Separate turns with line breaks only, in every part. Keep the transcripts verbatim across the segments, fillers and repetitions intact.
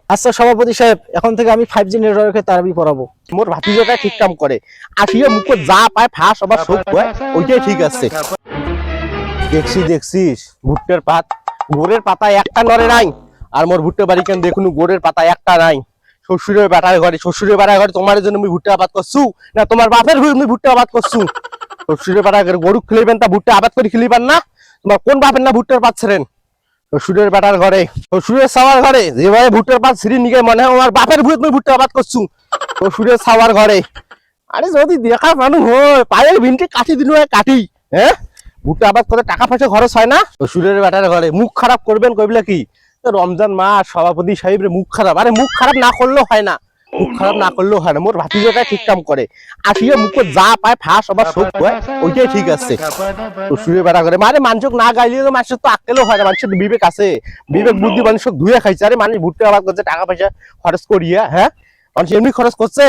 আচ্ছা সভাপতি সাহেব, এখন থেকে আমি ফাইভ জি নেটওয়ার্কে তারাবি পড়াবো।
মোর ভাতিজাটা ঠিক কাম করে, আসিয়ে মুখে যা পায় ফাঁস আবার শোক হয়, ওইটাই ঠিক আছে। দেখছি দেখছিস ভুট্টার পাত, গোড়ের পাতা একটা নড়ে নাই, আর মোর ভুট্টা বাড়ি কেন দেখুন গোড়ের পাতা একটা নাই। শ্বশুরের বেটার ঘরে, শ্বশুরের বেটার ঘরে তোমার জন্য আমি ভুট্টা আবাদ করছু না তোমার বাপের ঘরে আমি ভুট্টা আবাদ করছু? শ্বশুরের বেটার ঘরে গরু খেলিবেন তা ভুট্টা আবাদ করে খেলিবেন না? তোমার কোন বাপের না ভুট্টার পাত ছেড়েন? শ্বশুরের বেটার ঘরে, শ্বশুরের সাওয়ার ঘরে যেভাবে ভুট্টার পাত ছিঁড়ি নিকে মনে হয় আমার বাপের ভুয়ে তুমি ভুট্টা আবাদ করছু। শ্বশুরের সাওয়ার ঘরে, আরে যদি দেখা মানুষ হয় পায়ের ভিনকে কাটি দিন কাটি, হ্যাঁ ভুট্টা আবাদ করে টাকা পয়সা খরচ হয় না? শ্বশুরের বেটার ঘরে মুখ খারাপ করবেন কইবলে কি? রমজান মাস সভাপতি সাহেবের মুখ খারাপ, আরে মুখ খারাপ না করলেও হয় না, মুখ খারাপ না করলেও হয় না। মোর ভাতিজাটা ঠিক কাম করে, আসিয়ে মুখে যা পায় ফাঁস আবার শোক হয়, ওইটাই ঠিক আছে। শ্বশুরের বেটা করে মানে মানুষক না গাইলে তো মানুষের তো আক্কেলও হয় না, মানুষের বিবেক আছে, বিবেক বুদ্ধি মানুষক ধুয়ে খাইছে। আরে মানুষ ভুট্টা আবাদ করছে টাকা পয়সা খরচ করিয়া, হ্যাঁ মানুষ এমনি খরচ করছে।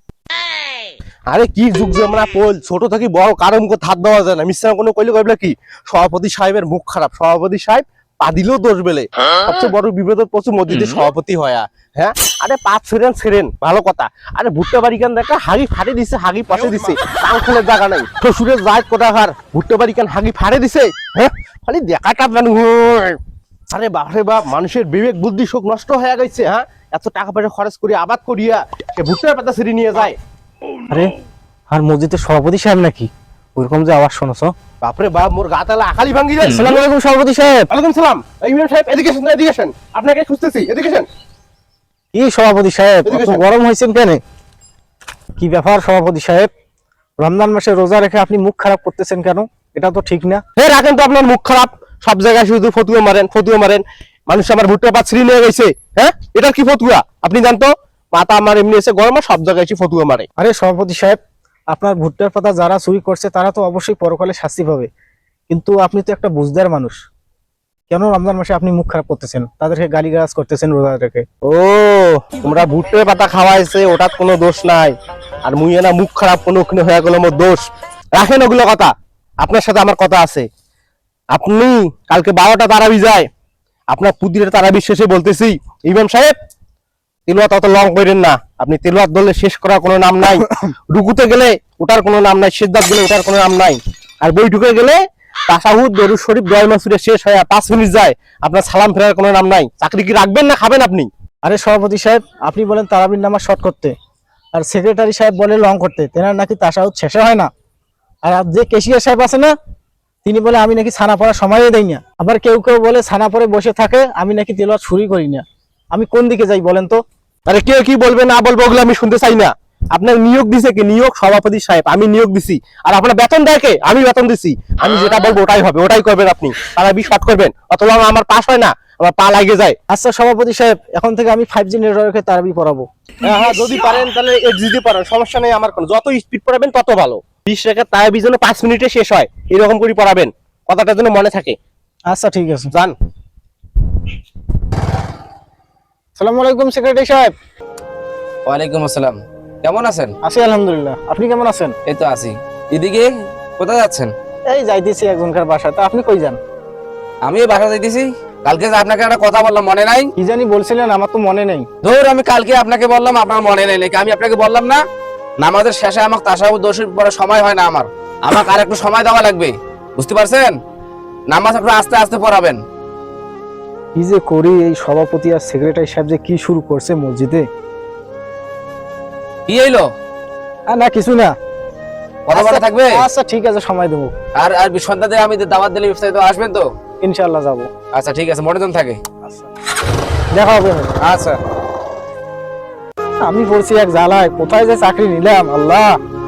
আরে কি যুগ জমনা পোল, ছোট থেকে বড় কারো মুখে হাত দেওয়া যায় না। মিশ্রা কোনো কইলে কইবলে কি সভাপতি সাহেবের মুখ খারাপ, সভাপতি সাহেব পা দিলেও দোষ বেলে। সবচেয়ে বড় বিপদের প্রচুর মসজিদে সভাপতি হয়, হ্যাঁ আরে পাঁচ ছেড়েন ছেড়েন ভালো কথা। আরে ভুট্টা বাড়ি কেন দেখা হাগি ফাড়ে দিছে, হাগি পচে দিছে, টাঙ্কুলের জায়গা নাই। শ্বশুরের যায় কোথাকার ভুট্টা বাড়ি কেন হাগি ফাড়ে দিছে, হ্যাঁ খালি দেখাটা মানুষ। আরে বাপরে বাপ, মানুষের বিবেক বুদ্ধি শোক নষ্ট হয়ে গেছে। হ্যাঁ এত টাকা পয়সা খরচ করি আবাদ করিয়া সে ভুট্টার পাতা ছিঁড়ে নিয়ে যায়।
আরে আর মসজিদের সভাপতি সাহেব নাকি? ওইরকম যে আওয়াজ শোনছ?
বাপরে বাপ, মোর গা তালা আখালি ভাঙ্গি যায়।
আসসালামু আলাইকুম সভাপতি সাহেব।
ওয়ালাইকুম সালাম। ইমাম সাহেব এদিকে আসেন, এদিকে আসেন, আপনাকে খুঁজতেছি, এদিকে আসেন।
কি সভাপতি সাহেব এত গরম হয়েছেন কেন? কি ব্যাপার সভাপতি সাহেব? রমজান মাসে রোজা রেখে আপনি মুখ খারাপ করতেছেন কেন? এটা তো ঠিক না।
হে রাখেন তো আপনার মুখ খারাপ, সব জায়গায় শুধু ফতুয়া মারেন ফতুয়া মারেন। মানুষ আমার ভুট্টা পাত ছিঁড়ে নিয়ে গেছে, হ্যাঁ এটা কি ফতুয়া? আপনি জানতো মাথা আমার এমনি এসে গরম, আর সব জায়গায় এসে ফতুয়া মারে।
আরে সভাপতি সাহেব, আপনার ভুট্টার পাতা যারা চুরি করছে তারা তো অবশ্যই পরকালে শাস্তি পাবে, কিন্তু আপনি তো একটা বুঝদার মানুষ, কেন রমজান মাসে আপনি মুখ খারাপ করতেছেন, তাদেরকে গালিগালাজ করতেছেন রোজা রেখে?
ও তোমরা ভুট্টার পাতা খাওয়াইছে ওটার কোনো দোষ নাই, আর মুই না মুখ খারাপ কোনো ওখানে হয়ে গেল মোর দোষ। রাখেন ওগুলো কথা, আপনার সাথে আমার কথা আছে। আপনি কালকে বারোটা তারাবি যায়, আপনার পুদিরের তারাবি শেষে বলতেছি ইমাম সাহেব তেলোয়াত অত লং করেন না। আপনি তেলোয়াত ধরলে শেষ করার কোনো নাম নাই, রুকুতে গেলে ওটার কোনো নাম নাই, সিজদাত গেলে ওটার কোনো নাম নাই, আর বৈঠকে গেলে তাশাহুদ দরুদ শরীফ দোয়া মাসুরে শেষ হয় পাঁচ মিনিট যায়, আপনার সালাম ফেরার কোনো নাম নাই। চাকরি কি রাখবেন না খাবেন আপনি?
আরে সভাপতি সাহেব, আপনি বলেন তারাবির নামাজ শর্ট করতে, আর সেক্রেটারি সাহেব বলে লং করতে, তেনার নাকি তাশাহুদ শেষে হয় না। আর যে কেশিয়ার সাহেব আছে না, তিনি বলে আমি নাকি ছানা পড়ার সময়ই দেই না। আবার কেউ কেউ বলে ছানা পরে বসে থাকে, আমি নাকি তেলাওয়াত শুরুই করি না। আমি কোন দিকে যাই বলেন তো?
আরে কে কি বলবে না বলবো ওগুলো আমি শুনতে চাই না। আপনার নিয়োগ দিছে কি? নিয়োগ সভাপতি সাহেব, আমি নিয়োগ দিছি। আর আপনার বেতন দেয় কে? আমি বেতন দিছি। আমি যেটা বলবো ওটাই হবে, ওটাই করবেন আপনি। তারা বি শর্ট করবেন, অথবা আমার পাস হয় না, আমার পা লাগে যায়।
আচ্ছা সভাপতি সাহেব, এখন থেকে আমি ফাইভ জি নেটওয়ার্কে তারাবি পড়াবো।
হ্যাঁ হ্যাঁ যদি পারেন তাহলে এইট দিতে পারেন, সমস্যা নেই আমার কোনো। যত স্পিড পড়াবেন তত ভালো। বিশ রেখে তারাবি যেন পাঁচ মিনিটে শেষ হয় এরকম করে পড়াবেন, কথাটা যেন মনে থাকে।
আচ্ছা ঠিক আছে,
যান।
আসসালামু আলাইকুম সেক্রেটারি সাহেব।
ওয়ালাইকুম আসসালাম। কেমন আছেন?
আছি আলহামদুলিল্লাহ, আপনি কেমন আছেন?
এই তো আছি। এদিকে কোথায় যাচ্ছেন?
এই যাইতেছি একজনকার বাসায়। তা আপনি কই যান?
আমিও বাসা যাইতেছি। কালকে যে আপনাকে একটা কথা বললাম মনে নাই?
কি জানি বলছিলেন, আমার তো মনে নেই।
ধর আমি কালকে আপনাকে বললাম, আপনার মনে নেই নাকি? আমি আপনাকে বললাম না নামাজের শেষে আমাকে তাশাহুদ দোষের পরে সময় হয় না আমার, আমাকে আর একটু সময় দেওয়া লাগবে, বুঝতে পারছেন? নামাজ একটু আস্তে আস্তে পড়াবেন।
কি যে করি, এই সভাপতি আর সেক্রেটারি সাহেব যে কি শুরু করছে মসজিদে।
কি হইলো?
আর না কিছু না,
কথা বলা থাকবে।
আচ্ছা ঠিক আছে, সময় দেবো।
আর আর সন্ধ্যাতে আমি দাওয়াত দিলে বিস্তারিত আসবেন তো?
ইনশাআল্লাহ যাবো।
আচ্ছা ঠিক আছে, মনোজন থাকে।
আচ্ছা দেখা হবে।
আচ্ছা।
আমি পড়ছি এক জ্বালায়, কোথায় যে চাকরি নিলাম আল্লাহ।